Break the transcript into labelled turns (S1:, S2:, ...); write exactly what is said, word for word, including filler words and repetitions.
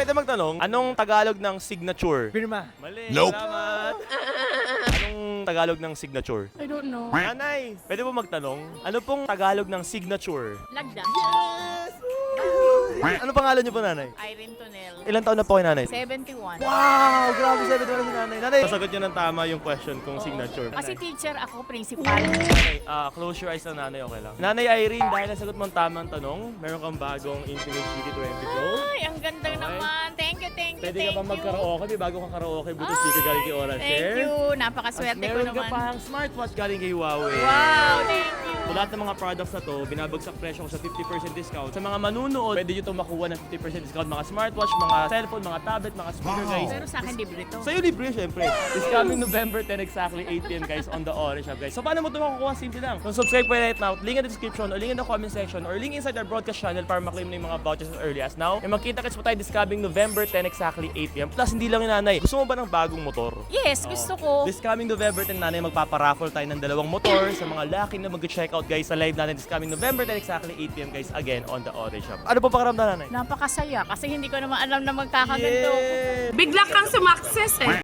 S1: pwede magtanong, anong Tagalog ng signature?
S2: Pirma.
S1: Mali.
S3: Nope.
S1: Salamat. Anong Tagalog ng signature?
S4: I don't know.
S1: Nanay, pwede po magtanong, ano pong Tagalog ng signature?
S4: Lagda.
S1: Ano pangalan niyo po, nanay?
S4: Irene Tonel.
S1: Ilan taon na po kayo, nanay?
S4: seventy-one.
S1: Wow! Grabe, sabi naman si nanay. Nanay, sasagot niyo ng tama yung question kung signature.
S4: Kasi teacher ako, principal.
S1: Nanay, ah, close your eyes na nanay, okay lang. Nanay Irene, dahil nasagot mo ang tamang tanong, meron kang bagong Infinite City twenty Pro.
S4: Ay, ang ganda naman. Thank you, thank you,
S1: Pwede
S4: thank
S1: ka pa
S4: you.
S1: mag-karaoke, may bago kang karaoke, Bluetooth speaker galing kay Oral
S4: Thank
S1: Share.
S4: you.
S1: At
S4: Napakaswerte ko
S1: meron ka
S4: naman.
S1: pang smartwatch galing kay Huawei.
S4: Wow, thank you.
S1: So, lahat ng mga products na to, binabagsak presyo ko sa fifty percent discount. Sa mga manunood, pwede nyo itong makuha ng fifty percent discount. Mga smartwatch, mga cellphone, mga tablet, mga speaker, guys.
S4: Pero sa akin, libre to.
S1: Sa'yo libre, syempre. It's coming November ten, exactly eight p m guys, on the Orange Shop, guys. So, paano mo ito makukuha? Simple lang. Kung subscribe po right now, link in the description or link in the comment section or link inside our broadcast channel para maklaim na yung mga vouchers as early as now. E magkita-kits po tayo this coming November ten, exactly eight p m Plus, hindi lang yung nanay. Gusto mo ba ng bagong motor?
S4: Yes, gusto ko.
S1: This coming November ten, nanay, magpaparaffle tayo ng dalawang motor sa mga lucky na mag-check out, guys, sa live natin this coming November ten, exactly eight p m guys, again, on the Orange Shop. Ano po pakiramdam, nanay?
S4: Napakasaya kasi hindi ko naman alam na magkakaganto.
S1: Yeah!
S5: Bigla kang sumakses eh.